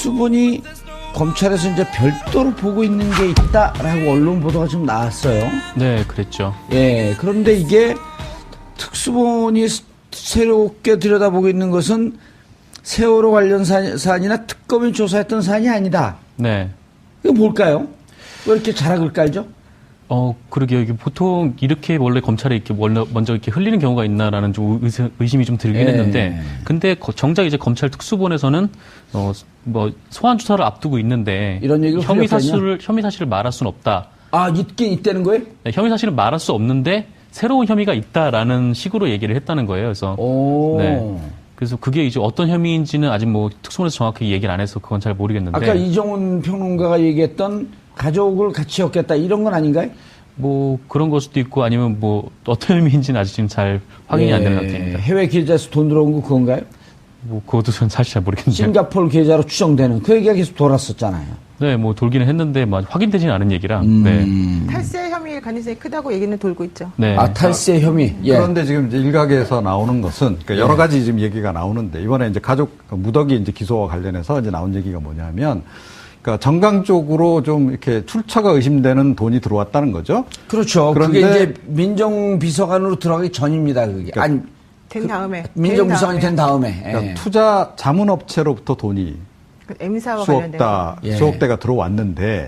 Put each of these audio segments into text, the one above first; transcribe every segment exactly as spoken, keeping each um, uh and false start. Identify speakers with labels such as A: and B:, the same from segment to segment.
A: 특수본이 검찰에서 이제 별도로 보고 있는 게 있다라고 언론 보도가 좀 나왔어요.
B: 네, 그랬죠.
A: 예, 그런데 이게 특수본이 새롭게 들여다보고 있는 것은 세월호 관련 사, 사안이나 특검이 조사했던 사안이 아니다.
B: 네.
A: 이거 뭘까요? 왜 이렇게 자락을 깔죠?
B: 어, 그러게요. 이게 보통 이렇게 원래 검찰에 이렇게 먼저 이렇게 흘리는 경우가 있나라는 좀 의심, 의심이 좀 들긴
A: 예.
B: 했는데, 근데 정작 이제 검찰 특수본에서는 어, 뭐 소환 조사를 앞두고 있는데
A: 이런 얘기를
B: 혐의 사실을 혐의 사실을 말할 수는 없다.
A: 아, 있긴 있다는 거예요?
B: 네, 혐의 사실은 말할 수 없는데 새로운 혐의가 있다라는 식으로 얘기를 했다는 거예요. 그래서
A: 오.
B: 네. 그래서 그게 이제 어떤 혐의인지는 아직 뭐 특수본에서 정확하게 얘기를 안 해서 그건 잘 모르겠는데.
A: 아까 이정훈 평론가가 얘기했던 가족을 같이 엮겠다 이런 건 아닌가요?
B: 뭐 그런 걸 수도 있고 아니면 뭐 어떤 의미인지는 아직 지금 잘 확인이
A: 예,
B: 안 되는 상태입니다.
A: 해외 계좌에서 돈 들어온 거 그건가요?
B: 뭐 그것도 저는 사실 잘 모르겠는데.
A: 싱가포르 계좌로 추정되는 그 얘기가 계속 돌았었잖아요.
B: 네, 뭐 돌기는 했는데 뭐 확인되지는 않은 얘기라.
A: 음.
B: 네.
C: 탈세 혐의 가능성이 크다고 얘기는 돌고 있죠.
B: 네.
A: 아, 탈세 혐의. 예.
D: 그런데 지금 이제 일각에서 나오는 것은 그러니까 여러 가지 지금 얘기가 나오는데 이번에 이제 가족 무더기 이제 기소와 관련해서 이제 나온 얘기가 뭐냐면 그러니까 정강 쪽으로 좀 이렇게 출처가 의심되는 돈이 들어왔다는 거죠.
A: 그렇죠.
D: 그런데
A: 그게 이제 민정비서관으로 들어가기 전입니다. 그게.
D: 그러니까
A: 아니,
C: 된 다음에.
A: 민정비서관이 된 다음에.
D: 그러니까
A: 예.
D: 투자 자문업체로부터 돈이
C: 그 M사와
D: 수억
C: 관련된.
D: 다
A: 예.
D: 수억 대가 들어왔는데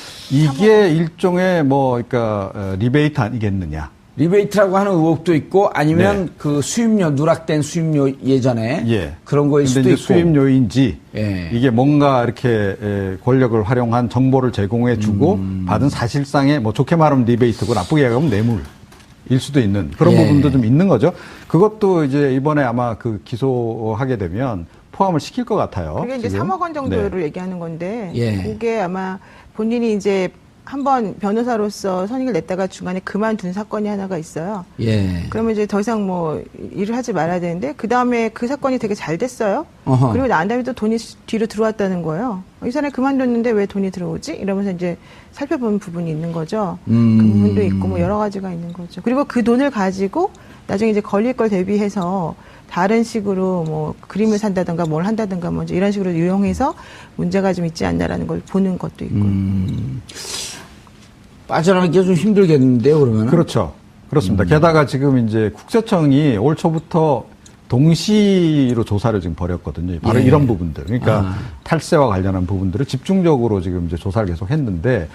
D: 이게 일종의 뭐 그러니까 어, 리베이트 아니겠느냐.
A: 리베이트라고 하는 의혹도 있고 아니면
D: 네.
A: 그 수입료, 누락된 수입료 예전에
D: 예.
A: 그런 거일
D: 근데
A: 수도
D: 이제
A: 있고.
D: 수입료인지
A: 예.
D: 이게 뭔가 이렇게 에, 권력을 활용한 정보를 제공해 주고
A: 음.
D: 받은 사실상의 뭐 좋게 말하면 리베이트고 나쁘게 얘기하면 뇌물일 수도 있는 그런
A: 예.
D: 부분도 좀 있는 거죠. 그것도 이제 이번에 아마 그 기소하게 되면 포함을 시킬 것 같아요.
C: 그게 이제
D: 지금.
C: 삼억 원 정도를
D: 네.
C: 얘기하는 건데,
A: 예.
C: 그게 아마 본인이 이제 한번 변호사로서 선임을 냈다가 중간에 그만둔 사건이 하나가 있어요.
A: 예.
C: 그러면 이제 더 이상 뭐 일을 하지 말아야 되는데 그 다음에 그 사건이 되게 잘 됐어요.
A: 어허.
C: 그리고 난 다음에 또 돈이 뒤로 들어왔다는 거예요. 이 사람이 그만뒀는데 왜 돈이 들어오지? 이러면서 이제 살펴보는 부분이 있는 거죠.
A: 음.
C: 그 부분도 있고 뭐 여러 가지가 있는 거죠. 그리고 그 돈을 가지고 나중에 이제 걸릴 걸 대비해서 다른 식으로 뭐 그림을 산다든가 뭘 한다든가 뭐 이런 식으로 유용해서 문제가 좀 있지 않나라는 걸 보는 것도 있고.
A: 음. 빠져나가기가 좀 힘들겠는데요, 그러면?
D: 그렇죠. 그렇습니다.
A: 음.
D: 게다가 지금 이제 국세청이 올 초부터 동시로 조사를 지금 벌였거든요. 바로
A: 예.
D: 이런 부분들. 그러니까
A: 아.
D: 탈세와 관련한 부분들을 집중적으로 지금 이제 조사를 계속 했는데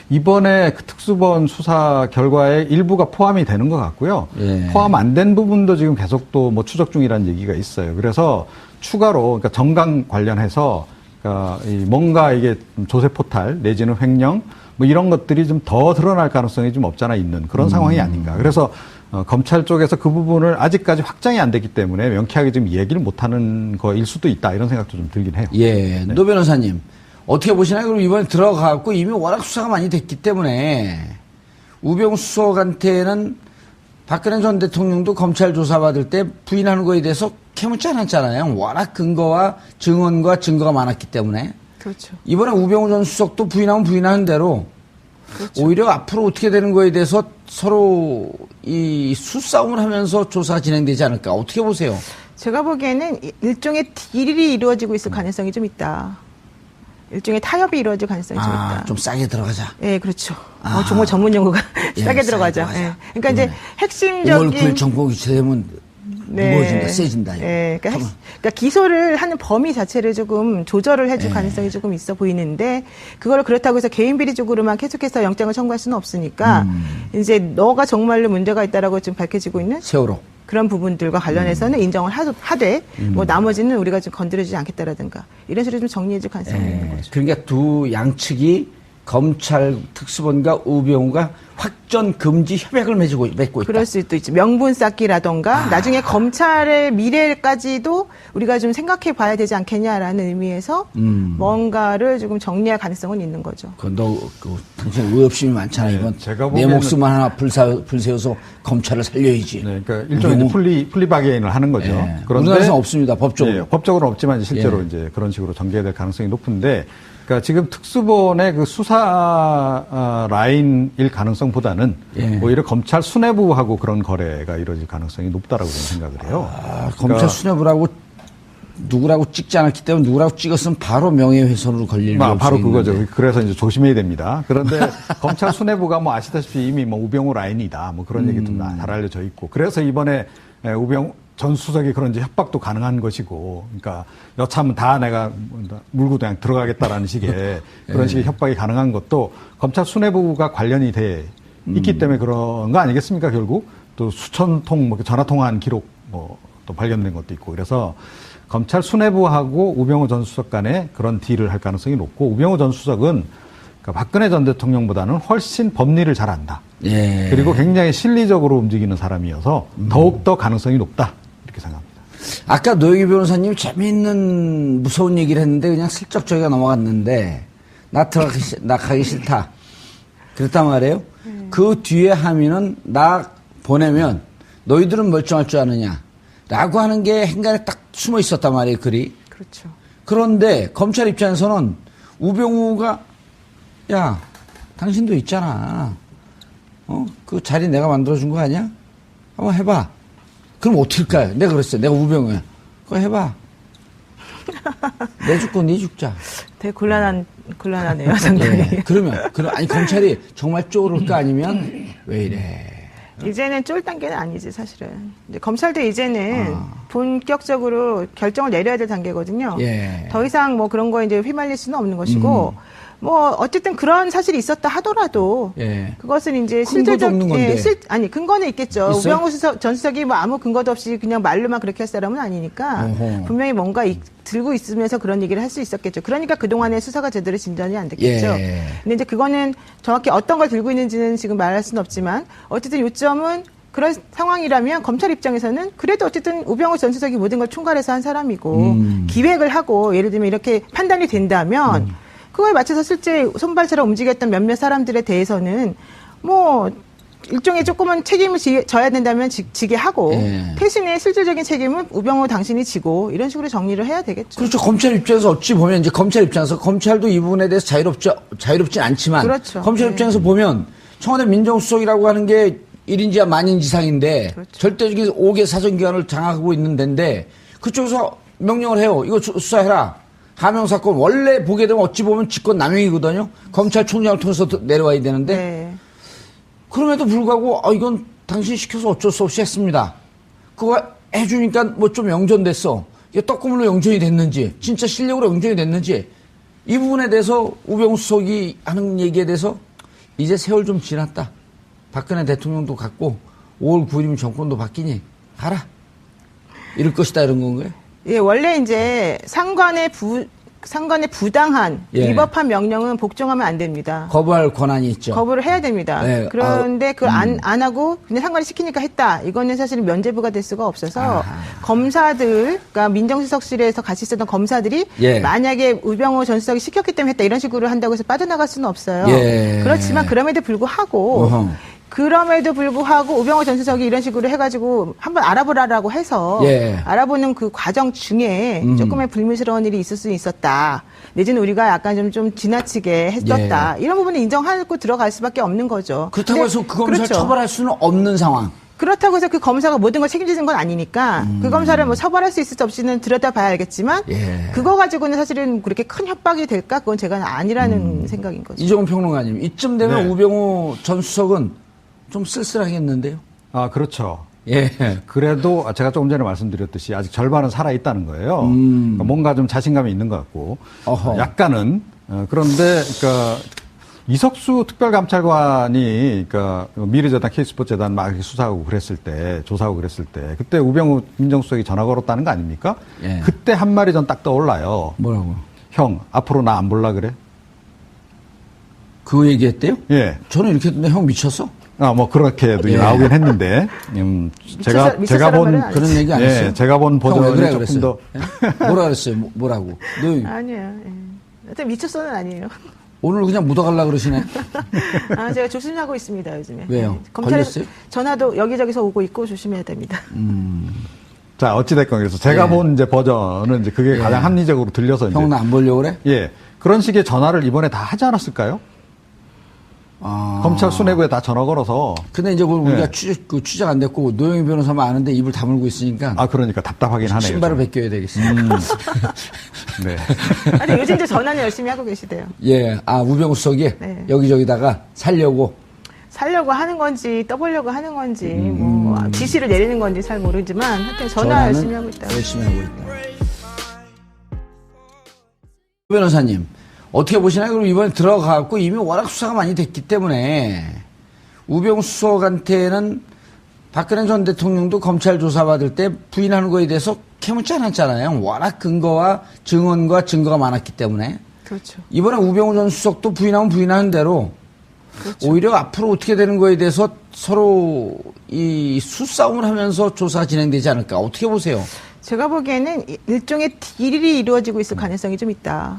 D: 이번에 그 특수본 수사 결과에 일부가 포함이 되는 것 같고요.
A: 예.
D: 포함 안 된 부분도 지금 계속 또 뭐 추적 중이라는 얘기가 있어요. 그래서 추가로 그러니까 정강 관련해서 그러니까 이 뭔가 이게 조세 포탈 내지는 횡령 뭐 이런 것들이 좀 더 드러날 가능성이 좀 없잖아 있는 그런
A: 음.
D: 상황이 아닌가. 그래서 어, 검찰 쪽에서 그 부분을 아직까지 확장이 안 됐기 때문에 명쾌하게 지금 얘기를 못하는 거일 수도 있다 이런 생각도 좀 들긴 해요.
A: 예. 노 변호사님, 어떻게 보시나요? 그럼 이번에 들어가고 이미 워낙 수사가 많이 됐기 때문에 우병우 수석한테는 박근혜 전 대통령도 검찰 조사받을 때 부인하는 거에 대해서 캐묻지 않았잖아요. 워낙 근거와 증언과 증거가 많았기 때문에.
C: 그렇죠.
A: 이번에 우병우 전 수석도 부인하면 부인하는 대로
C: 그렇죠.
A: 오히려 앞으로 어떻게 되는 거에 대해서 서로 이 수싸움을 하면서 조사가 진행되지 않을까. 어떻게 보세요?
C: 제가 보기에는 일종의 딜이 이루어지고 있을 가능성이 좀 있다. 일종의 타협이 이루어질 가능성이 좀
A: 아,
C: 있다.
A: 좀 싸게 들어가자.
C: 예, 그렇죠.
A: 아.
C: 어, 정말 전문 용어가
A: 예,
C: 싸게
A: 싸게
C: 들어가죠.
A: 들어가자.
C: 예. 그러니까 이제
A: 오월
C: 핵심적인
A: 구일 정보 교체되면 무거워진다, 세진다. 이거.
C: 예, 그러니까, 핵-
A: 한번.
C: 그러니까 기소를 하는 범위 자체를 조금 조절을 해줄
A: 예.
C: 가능성이 조금 있어 보이는데 그걸 그렇다고 해서 개인 비리적으로만 계속해서 영장을 청구할 수는 없으니까
A: 음.
C: 이제 너가 정말로 문제가 있다라고 지금 밝혀지고 있는
A: 세월호.
C: 그런 부분들과 관련해서는 인정을 하도, 하되 뭐 나머지는 우리가 좀 건드리지 않겠다라든가 이런 식으로 좀 정리해줄 가능성이 있는
A: 예.
C: 거죠.
A: 그러니까 두 양측이 검찰 특수본과 우병우가 확전 금지 협약을 맺고, 맺고 있다.
C: 그럴 수도 있죠. 명분 쌓기라던가
A: 아.
C: 나중에 검찰의 미래까지도 우리가 좀 생각해 봐야 되지 않겠냐라는 의미에서
A: 음.
C: 뭔가를 조금 정리할 가능성은 있는 거죠.
A: 그, 너, 그, 당신 의협심이 많잖아,
D: 네,
A: 이건.
D: 제가
A: 내
D: 보기에는-
A: 목숨 하나 불사, 불세워서 검찰을 살려야지.
D: 네, 그러니까 일종의 이제
A: 우병우-
D: 플리 플리바게인을 하는 거죠.
A: 예. 우리나라에서는 없습니다, 법적으로.
D: 예, 법적으로는 없지만 이제 실제로
A: 예.
D: 이제 그런 식으로 전개될 가능성이 높은데, 그러니까 지금 특수본의 그 수사 아, 라인일 가능성보다는
A: 예.
D: 오히려 검찰 수뇌부하고 그런 거래가 이루어질 가능성이 높다라고 저는 생각을 해요.
A: 아, 검찰
D: 그러니까-
A: 수뇌부라고 누구라고 찍지 않았기 때문에 누구라고 찍었으면 바로 명예훼손으로 걸릴
D: 아, 바로
A: 수
D: 그거죠.
A: 있는데.
D: 그래서 이제 조심해야 됩니다. 그런데 검찰 수뇌부가 뭐 아시다시피 이미 뭐 우병우 라인이다. 뭐 그런 얘기 좀 잘 알려져 있고. 그래서 이번에 우병우 전 수석이 그런지 협박도 가능한 것이고. 그러니까 여차하면 다 내가 물고 그냥 들어가겠다라는 식의 그런 식의 협박이 가능한 것도 검찰 수뇌부가 관련이 돼 있기 때문에 그런 거 아니겠습니까? 결국 또 수천 통 뭐 전화 통화한 기록 뭐 또 발견된 것도 있고. 그래서 검찰 수뇌부하고 우병우 전 수석 간에 그런 딜을 할 가능성이 높고, 우병우 전 수석은 그러니까 박근혜 전 대통령보다는 훨씬 법리를 잘 안다.
A: 예.
D: 그리고 굉장히 실리적으로 움직이는 사람이어서 더욱더 가능성이 높다. 이렇게 생각합니다.
A: 아까 노영희 변호사님 재미있는 무서운 얘기를 했는데 그냥 슬쩍 저희가 넘어갔는데 나 들어가기 싫, 나 가기 싫다. 그랬단 말이에요. 음. 그 뒤에 함의는 나 보내면 너희들은 멀쩡할 줄 아느냐. 라고 하는 게 행간에 딱 숨어 있었단 말이에요, 글이.
C: 그렇죠.
A: 그런데 검찰 입장에서는 우병우가 야, 당신도 있잖아. 어? 그 자리 내가 만들어준 거 아니야? 한번 해봐. 그럼 어떨까요? 내가 그랬어요. 내가 우병우야. 그거 해봐. 내 죽고 네 죽자.
C: 되게 곤란한, 곤란하네요, 상당히.
A: 예. 그러면, 그럼, 아니, 검찰이 정말 쪼를까 아니면 왜 이래.
C: 이제는 쫄 단계는 아니지, 사실은. 이제 검찰도 이제는
A: 아.
C: 본격적으로 결정을 내려야 될 단계거든요.
A: 예.
C: 더 이상 뭐 그런 거에 이제 휘말릴 수는 없는 것이고, 음. 뭐, 어쨌든 그런 사실이 있었다 하더라도,
A: 예.
C: 그것은 이제
A: 근거도
C: 실질적,
A: 없는 건데.
C: 예, 실, 아니, 근거는 있겠죠.
A: 있어요?
C: 우병우 수석, 전 수석이 뭐 아무 근거도 없이 그냥 말로만 그렇게 할 사람은 아니니까,
A: 어허.
C: 분명히 뭔가 이, 들고 있으면서 그런 얘기를 할 수 있었겠죠. 그러니까 그동안의 수사가 제대로 진전이 안 됐겠죠.
A: 예.
C: 근데 이제 그거는 정확히 어떤 걸 들고 있는지는 지금 말할 수는 없지만, 어쨌든 요점은 그런 상황이라면 검찰 입장에서는 그래도 어쨌든 우병우 전 수석이 모든 걸 총괄해서 한 사람이고,
A: 음.
C: 기획을 하고, 예를 들면 이렇게 판단이 된다면,
A: 음.
C: 그거에 맞춰서 실제 손발처럼 움직였던 몇몇 사람들에 대해서는 뭐 일종의 조금은 책임을 지, 져야 된다면 지, 지게 하고
A: 예.
C: 대신에 실질적인 책임은 우병우 당신이 지고 이런 식으로 정리를 해야 되겠죠.
A: 그렇죠. 검찰 입장에서 어찌 보면 이제 검찰 입장에서 검찰도 이 부분에 대해서 자유롭지, 자유롭진 않지만.
C: 그렇죠.
A: 검찰
C: 네.
A: 입장에서 보면 청와대 민정수석이라고 하는 게 일인지야 만인지상인데
C: 그렇죠.
A: 절대적인 오 개 사정기관을 장악하고 있는 데인데 그쪽에서 명령을 해요. 이거 수사해라. 하명 사건 원래 보게 되면 어찌 보면 직권 남용이거든요. 검찰총장을 통해서 내려와야 되는데
C: 네.
A: 그럼에도 불구하고 아 이건 당신 시켜서 어쩔 수 없이 했습니다. 그거 해주니까 뭐 좀 영전됐어. 이게 떡고물로 영전이 됐는지 진짜 실력으로 영전이 됐는지 이 부분에 대해서 우병우 수석이 하는 얘기에 대해서 이제 세월 좀 지났다. 박근혜 대통령도 갔고 오월 구일이면 정권도 바뀌니 가라. 이럴 것이다 이런 건가요?
C: 예, 원래 이제 상관의 부 상관의 부당한
A: 예.
C: 위법한 명령은 복종하면 안 됩니다.
A: 거부할 권한이 있죠.
C: 거부를 해야 됩니다.
A: 네.
C: 그런데
A: 아,
C: 그걸 안,
A: 음.
C: 안 하고 그냥 상관이 시키니까 했다. 이거는 사실은 면죄부가 될 수가 없어서
A: 아하.
C: 검사들, 그러니까 민정수석실에서 같이 있었던 검사들이
A: 예.
C: 만약에 우병우 전 수석이 시켰기 때문에 했다 이런 식으로 한다고 해서 빠져나갈 수는 없어요.
A: 예.
C: 그렇지만 그럼에도 불구하고
A: 어허.
C: 그럼에도 불구하고 우병우 전 수석이 이런 식으로 해가지고 한번 알아보라라고 해서
A: 예.
C: 알아보는 그 과정 중에
A: 음.
C: 조금의 불미스러운 일이 있을 수 있었다. 내지는 우리가 약간 좀, 좀 지나치게 했었다. 이런 부분은 인정하고 들어갈 수밖에 없는 거죠.
A: 예. 그렇다고
C: 근데
A: 해서 그 검사를
C: 그렇죠.
A: 처벌할 수는 없는 상황.
C: 그렇다고 해서 그 검사가 모든 걸 책임지는 건 아니니까 그 검사를 뭐 처벌할 수 있을지 없이는 들여다봐야 알겠지만
A: 음. 예.
C: 그거 가지고는 사실은 그렇게 큰 협박이 될까? 그건 제가 아니라는
A: 음.
C: 생각인 거죠.
A: 이종훈 평론가님, 이쯤 되면
D: 네.
A: 우병우 전 수석은 좀 쓸쓸하겠는데요?
D: 아, 그렇죠.
A: 예.
D: 그래도 제가 조금 전에 말씀드렸듯이 아직 절반은 살아있다는 거예요.
A: 음.
D: 그러니까 뭔가 좀 자신감이 있는 것 같고.
A: 어허.
D: 약간은. 어, 그런데, 그러니까 이석수 특별감찰관이 그러니까 미래재단, K스포츠재단 막 이렇게 수사하고 그랬을 때, 조사하고 그랬을 때, 그때 우병우 민정수석이 전화 걸었다는 거 아닙니까?
A: 예.
D: 그때 한 말이 전 딱 떠올라요.
A: 뭐라고?
D: 형, 앞으로 나 안 볼라 그래?
A: 그 얘기했대요?
D: 예.
A: 저는 이렇게 했는데 형 미쳤어?
D: 아, 뭐, 그렇게도
A: 예.
D: 나오긴 했는데, 음, 제가,
C: 미쳤-
D: 제가
C: 미쳤다는
D: 본,
C: 말은 안
A: 그런 얘기 안 했어요?
D: 예, 제가 본
A: 형 왜
D: 버전이
A: 그래
D: 조금
A: 그랬어요?
D: 더,
A: 예? 뭐라 그랬어요? 뭐- 뭐라고? 너
C: 아니에요. 예. 하여튼 미쳤어는 아니에요.
A: 오늘 그냥 묻어갈라 그러시네?
C: 아, 제가 조심하고 있습니다, 요즘에.
A: 왜요?
C: 네. 검찰에서
A: 걸렸어요?
C: 전화도 여기저기서 오고 있고 조심해야 됩니다.
D: 자, 어찌됐건 그래서 제가
A: 예.
D: 본 이제 버전은 이제 그게 가장 합리적으로 들려서 이제.
A: 형 나 안 보려고 그래?
D: 예. 그런 식의 전화를 이번에 다 하지 않았을까요?
A: 아.
D: 검찰 수뇌부에 다 전화 걸어서.
A: 근데 이제 그걸 우리가
D: 네.
A: 추적, 그 추적 안 됐고 노영희 변호사만 아는데 입을 다물고 있으니까
D: 아, 그러니까 답답하긴 하네요.
A: 신발을
D: 좀.
A: 벗겨야 되겠습니다.
D: 음. 네.
C: 아니, 요즘 이제 전화는 열심히 하고 계시대요.
A: 예, 아 우병우 수석이
C: 네.
A: 여기저기다가 살려고.
C: 살려고 하는 건지 떠보려고 하는 건지 뭐 지시를 내리는 건지 잘 모르지만 하여튼 전화
A: 전화는
C: 열심히 하고 있다.
A: 열심히 하고 있다. 변호사님 어떻게 보시나요? 그럼 이번에 들어가고 이미 워낙 수사가 많이 됐기 때문에 우병우 수석한테는 박근혜 전 대통령도 검찰 조사받을 때 부인하는 거에 대해서 캐묻지 않았잖아요. 워낙 근거와 증언과 증거가 많았기 때문에.
C: 그렇죠.
A: 이번에 우병우 전 수석도 부인하면 부인하는 대로
C: 그렇죠.
A: 오히려 앞으로 어떻게 되는 거에 대해서 서로 이 수싸움을 하면서 조사가 진행되지 않을까. 어떻게 보세요?
C: 제가 보기에는 일종의 딜이 이루어지고 있을 가능성이 좀 있다.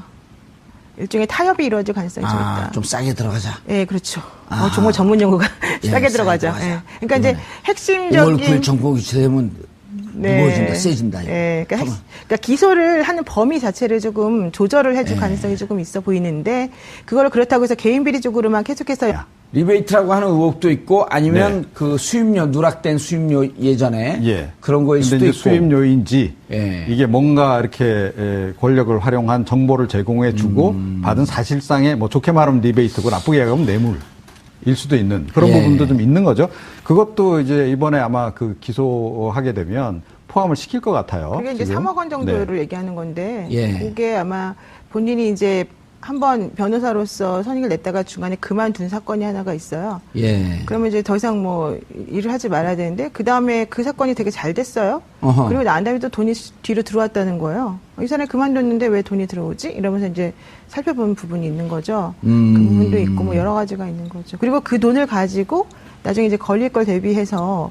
C: 일종의 타협이 이루어질 가능성이 좀
A: 아,
C: 있다.
A: 좀 싸게 들어가자.
C: 예, 그렇죠.
A: 아.
C: 어, 정말 전문 용어가
A: 예,
C: 싸게
A: 싸게
C: 들어가죠.
A: 들어가자.
C: 예. 그러니까 이제
A: 이번에
C: 핵심적인
A: 오월 구일 정보 교체되면 무거워진다, 세진다. 이거.
C: 예, 그러니까, 핵-
A: 가만.
C: 그러니까 기소를 하는 범위 자체를 조금 조절을 해줄
A: 예.
C: 가능성이 조금 있어 보이는데 그걸 그렇다고 해서 개인 비리적으로만 계속해서
A: 리베이트라고 하는 의혹도 있고 아니면
D: 네.
A: 그 수입료 누락된 수입료 예전에
D: 예.
A: 그런 거일
D: 근데
A: 수도
D: 이제
A: 있고.
D: 수입료인지
A: 예.
D: 이게 뭔가 이렇게 에, 권력을 활용한 정보를 제공해 주고
A: 음.
D: 받은 사실상의 뭐 좋게 말하면 리베이트고 나쁘게 얘기하면 뇌물일 수도 있는 그런
A: 예.
D: 부분도 좀 있는 거죠. 그것도 이제 이번에 아마 그 기소하게 되면 포함을 시킬 것 같아요.
C: 그게 이제
D: 지금.
C: 삼억 원 정도를
D: 네.
C: 얘기하는 건데
A: 예.
C: 그게 아마 본인이 이제 한번 변호사로서 선임을 냈다가 중간에 그만둔 사건이 하나가 있어요.
A: 예.
C: 그러면 이제 더 이상 뭐 일을 하지 말아야 되는데 그 다음에 그 사건이 되게 잘 됐어요.
A: 어허.
C: 그리고 난 다음에 또 돈이 뒤로 들어왔다는 거예요. 이 사람이 그만뒀는데 왜 돈이 들어오지? 이러면서 이제 살펴보는 부분이 있는 거죠.
A: 음.
C: 그 부분도 있고 뭐 여러 가지가 있는 거죠. 그리고 그 돈을 가지고 나중에 이제 걸릴 걸 대비해서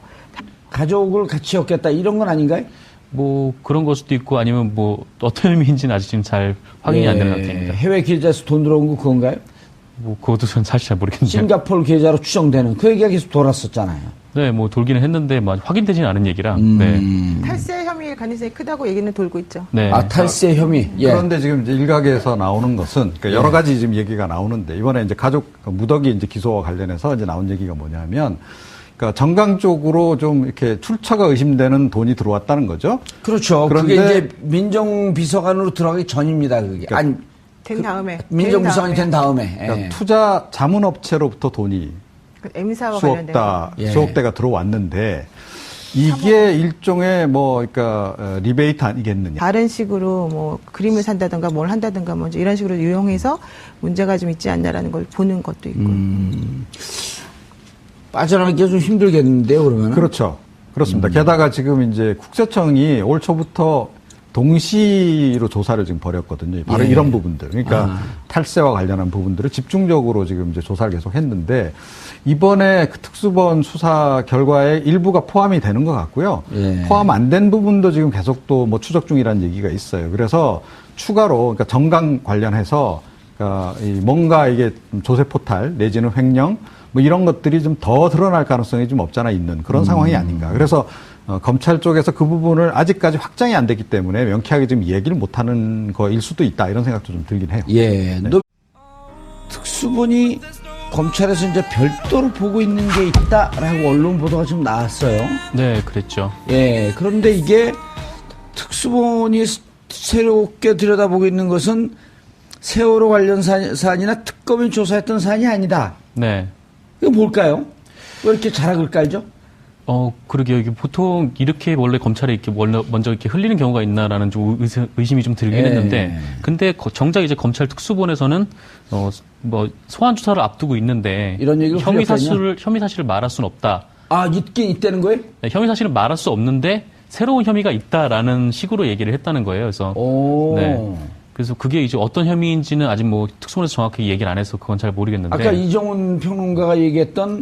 A: 가족을 같이 엮겠다 이런 건 아닌가요?
B: 뭐 그런 걸 수도 있고 아니면 뭐 어떤 의미인지는 아직 지금 잘 확인이 안 되는
A: 예.
B: 상태입니다.
A: 해외 계좌에서 돈 들어온 거 그건가요?
B: 뭐 그것도 전 사실 잘 모르겠네요.
A: 싱가포르 계좌로 추정되는 그 얘기가 계속 돌았었잖아요.
B: 네, 뭐 돌기는 했는데 뭐 아직 확인되지는 않은 얘기라.
A: 음.
B: 네.
C: 탈세 혐의 가능성이 크다고 얘기는 돌고 있죠.
B: 네.
A: 아, 탈세 혐의. 예.
D: 그런데 지금 이제 일각에서 나오는 것은 그러니까 여러 가지 지금 얘기가 나오는데 이번에 이제 가족 무더기 이제 기소와 관련해서 이제 나온 얘기가 뭐냐면 그러니까 정강 쪽으로 좀 이렇게 출처가 의심되는 돈이 들어왔다는 거죠.
A: 그렇죠.
D: 그런데-
A: 그게 이제 민정비서관으로 들어가기 전입니다. 그게.
D: 그러니까
A: 아니,
C: 된 다음에
A: 민정비서관이 된 다음에.
D: 그러니까
A: 예.
D: 투자 자문업체로부터 돈이
C: 그 M사와
D: 수억
C: 관련된
D: 다
A: 예.
D: 수억 대가 들어왔는데 이게 일종의 뭐 그러니까 어, 리베이트 아니겠느냐.
C: 다른 식으로 뭐 그림을 산다든가 뭘 한다든가 뭐 이런 식으로 유용해서 문제가 좀 있지 않나라는 걸 보는 것도 있고.
A: 음. 빠져나가기가 좀 힘들겠는데요, 그러면?
D: 그렇죠. 그렇습니다.
A: 음.
D: 게다가 지금 이제 국세청이 올 초부터 동시로 조사를 지금 벌였거든요. 바로
A: 예.
D: 이런 부분들. 그러니까
A: 아.
D: 탈세와 관련한 부분들을 집중적으로 지금 이제 조사를 계속 했는데 이번에 그 특수본 수사 결과에 일부가 포함이 되는 것 같고요.
A: 예.
D: 포함 안 된 부분도 지금 계속 또 뭐 추적 중이라는 얘기가 있어요. 그래서 추가로 그러니까 정강 관련해서 그러니까 이 뭔가 이게 조세 포탈 내지는 횡령 뭐 이런 것들이 좀 더 드러날 가능성이 좀 없잖아 있는 그런
A: 음.
D: 상황이 아닌가. 그래서 어, 검찰 쪽에서 그 부분을 아직까지 확장이 안 됐기 때문에 명쾌하게 지금 얘기를 못하는 거일 수도 있다 이런 생각도 좀 들긴 해요.
A: 예. 너 특수본이 검찰에서 이제 별도로 보고 있는 게 있다라고 언론 보도가 좀 나왔어요.
B: 네, 그랬죠.
A: 예. 그런데 이게 특수본이 스- 새롭게 들여다보고 있는 것은 세월호 관련 사- 사안이나 특검이 조사했던 사안이 아니다.
B: 네.
A: 이거 뭘까요? 왜 이렇게 자락을 깔죠?
B: 어, 그러게요. 이게 보통 이렇게 원래 검찰에 이렇게 원래 먼저 이렇게 흘리는 경우가 있나라는 좀 의심- 의심이 좀 들긴
A: 예.
B: 했는데, 근데 거- 정작 이제 검찰 특수본에서는 어, 뭐 소환 조사를 앞두고 있는데
A: 이런 얘기를
B: 혐의
A: 흘렸다냐?
B: 사실을 혐의 사실을 말할 수는 없다.
A: 아, 있긴 있다는 거예요?
B: 네, 혐의 사실을 말할 수 없는데 새로운 혐의가 있다라는 식으로 얘기를 했다는 거예요. 그래서
A: 오.
B: 네. 그래서 그게 이제 어떤 혐의인지는 아직 뭐 특수본에서 정확히 얘기를 안 해서 그건 잘 모르겠는데.
A: 아까 이정훈 평론가가 얘기했던